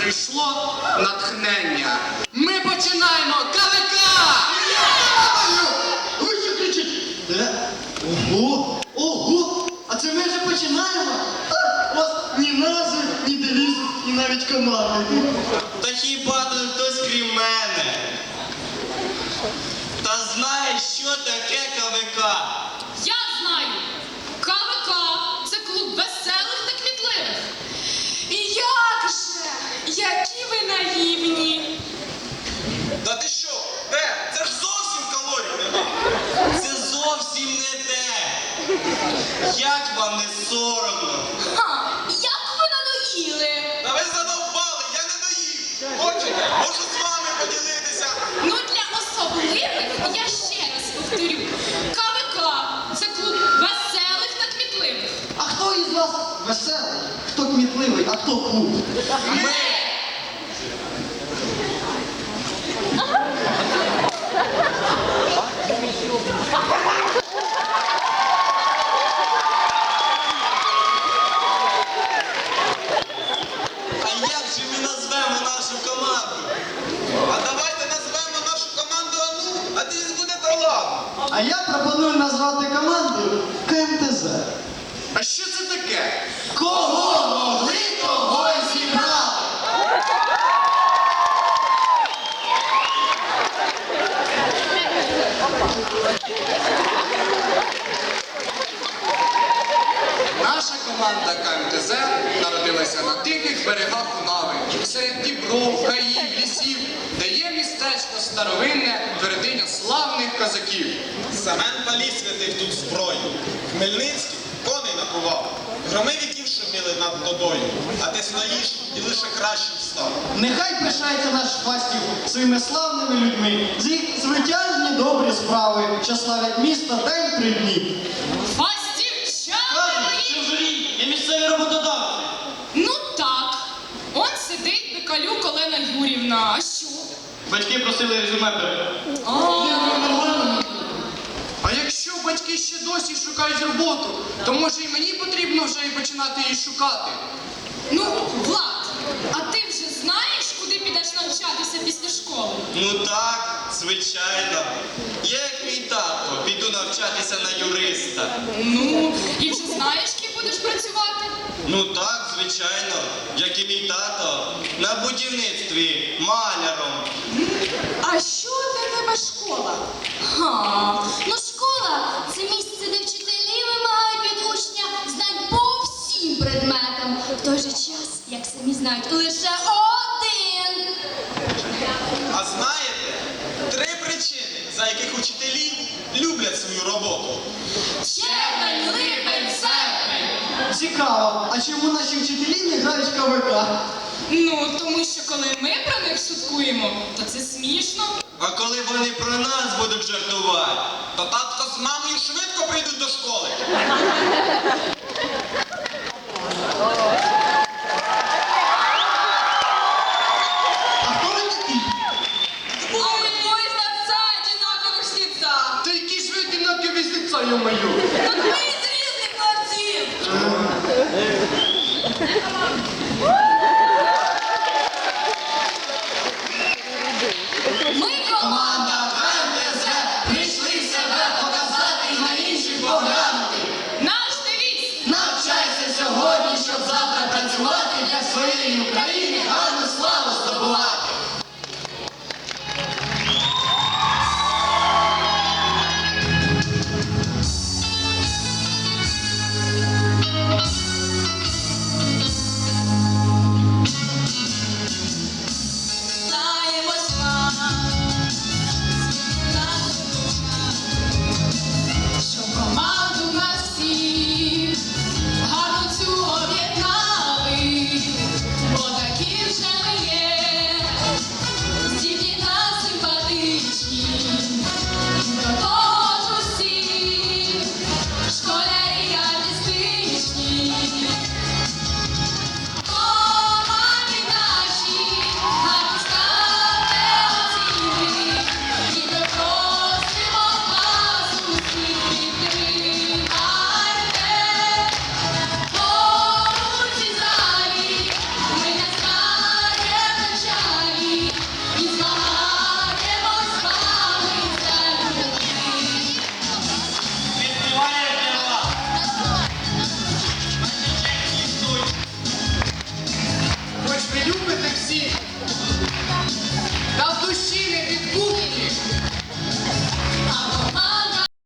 прийшло натхнення. Ми починаємо КВК! Ви що кричите? Ого! Ого! А це ми вже починаємо? У вас ні назви, ні девізу, і навіть команди. Та хіба тут хтось крім мене? Та знаєш, що таке КВК? Я знаю. КВК – це клуб веселих та кмітливих. І як же? Які ви наївні. Та ти що? Це ж зовсім калорій нема. Це зовсім не те. Як вам не соромно? Ха, як ви надоїли. Та ви задовбали, я не доїв. Хочете? Можу з вами поділитися. Ну, для особливих, я ще раз повторю, КВК – це клуб веселих та кмітливих. А хто із вас веселий? Хто кмітливий, а хто клуб? Ми! А як же ми назвемо нашу команду? А давайте назвемо нашу команду Ану, а ти буде талант. А я пропоную назвати команду КМТЗ. А що це таке? Кого могли, того й зібрали! Наша команда КМТЗ народилася на тихих берегах Унави, серед дібров, гаїв, лісів, де є містечко старовинне, твердиня славних козаків. Семен Палій святив тут зброю. Хмельницький коней напував. Громи віків шуміли над водою. А ти стоїш і лише кращим став. Нехай пишається наш Фастів своїми славними людьми, з їх звитяжні добрі справи, що славять місто день при дні. Фастівчани мої! в журі є місцеві роботодавці. Ну так, он сидить Бекалюк Олена Юрівна. А що? Батьки просили резюме передати. А якщо батьки ще досі шукають роботу, то може і мені потрібно вже і починати її шукати. Ну, Влад, а ти вже знаєш, куди підеш навчатися після школи? Ну так, звичайно. Я, як мій тато, піду навчатися на юриста. Ну, і вже знаєш, ким будеш працювати? Ну так, звичайно, як і мій тато, на будівництві, маляром. А що для тебе школа? Ха, ну школа – це місце, де вчителі вимагають від учня знань по всім предметам. В той же час, як самі знають, лише один. А знаєте, 3 причини, за яких учителі люблять свою роботу. Червень, липень, серпень. Цікаво, а чому наші вчителі не грають в КВК? Ну, тому що коли ми про них шуткуємо, то це смішно. А коли вони про нас будуть жартувати, то татко з мамою швидко прийдуть до школи. А хто ви такі? Ой, мой отца одинаковых снится. Та які ж ви одинакові з лиця, йо-моє! Так ми з різних квартир.